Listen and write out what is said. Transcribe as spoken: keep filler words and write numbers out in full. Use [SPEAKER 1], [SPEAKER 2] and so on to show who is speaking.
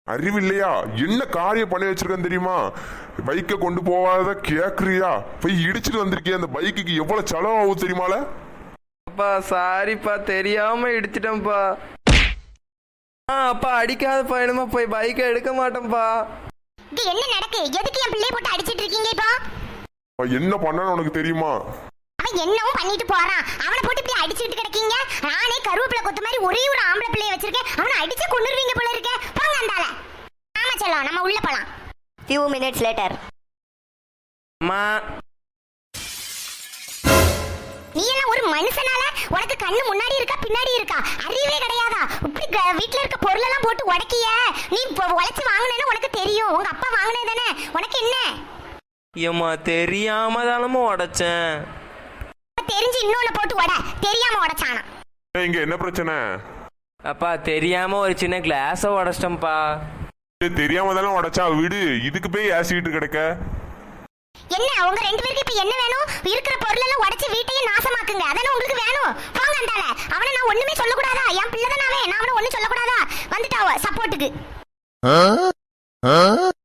[SPEAKER 1] அறிவு இல்லையா? என்ன காரியம் பண்ணி வச்சிருக்கேன் தெரியுமா? பைக்கை கொண்டு போவாத கேக்குறியா? போய் இடிச்சிட்டு வந்திருக்கிய. அந்த பைக்குக்கு எவ்வளவு செலவு ஆகும் தெரியுமால?
[SPEAKER 2] அப்பா சாரிப்பா, தெரியாம இடிச்சிட்டேன்ப்பா. ஆ அப்பா அடிக்காதப்பா, என்னமா போய் பைக்கை எடுக்க மாட்டேன்ப்பா.
[SPEAKER 3] இது என்ன நடக்கு? எதுக்கு என் பிள்ளைய போட்டு அடிச்சிட்டு இருக்கீங்க இப்போ?
[SPEAKER 1] என்ன பண்ணனு உனக்கு தெரியுமா?
[SPEAKER 3] அவன் என்னவும் பண்ணிட்டு போறான். அவனை போட்டு இப்படி அடிச்சிட்டு கிடக்கீங்க. நானே கருவேப்பிலை கொத்து மாதிரி ஒரே ஒரு ஆம்பளை பிள்ளைய வச்சிருக்கேன். அவனை அடிச்சு கொன்னுருவீங்க போல இருக்க. போங்க அந்தால. ஆமா செல்லம், நம்ம உள்ள போலாம்.
[SPEAKER 4] few minutes later.
[SPEAKER 2] அம்மா
[SPEAKER 3] நீ எல்லாம் ஒரு மனுஷனால உனக்கு கண்ணு முன்னாடி இருக்கா பின்னாடி இருக்கா? அறிவே கிடையாதா? இப்படி வீட்டுல இருக்க பொருள் எல்லாம் போட்டு உடைக்கிய. நீ உழைச்சு வாங்கினேன்னு உனக்கு தெரியும். உங்க அப்பா வாங்கினே தானே, உனக்கு என்ன?
[SPEAKER 2] ஏம்மா தெரியாம தானமா உடைச்சேன்.
[SPEAKER 3] தெரிஞ்சு இன்னொன்னு போட்டு உட. தெரியாம உடைச்சானா?
[SPEAKER 1] இங்க என்ன பிரச்சனை?
[SPEAKER 2] அப்பா தெரியாம ஒரு சின்ன கிளாஸ உடைச்சிட்டேன்ப்பா.
[SPEAKER 1] தெரியாம தானே உடைச்சா வீடு. இதுக்கு போய் ஆசிட்டு கிடக்க.
[SPEAKER 3] என்ன உங்க ரெண்டு பேருக்கு இப்ப என்ன வேணும்? இருக்கிற பொருள் எல்லாம் உடைச்சு வீட்டையே நாசமாக்குங்க. அதானே உங்களுக்கு வேணும். போங்க அந்தால. அவனை நான் ஒண்ணுமே சொல்லக்கூடாதா? என் பிள்ளை தானே, நான் அவனை ஒண்ணும் சொல்லக்கூடாதா? வந்துட்டாவ சப்போர்ட்டுக்கு.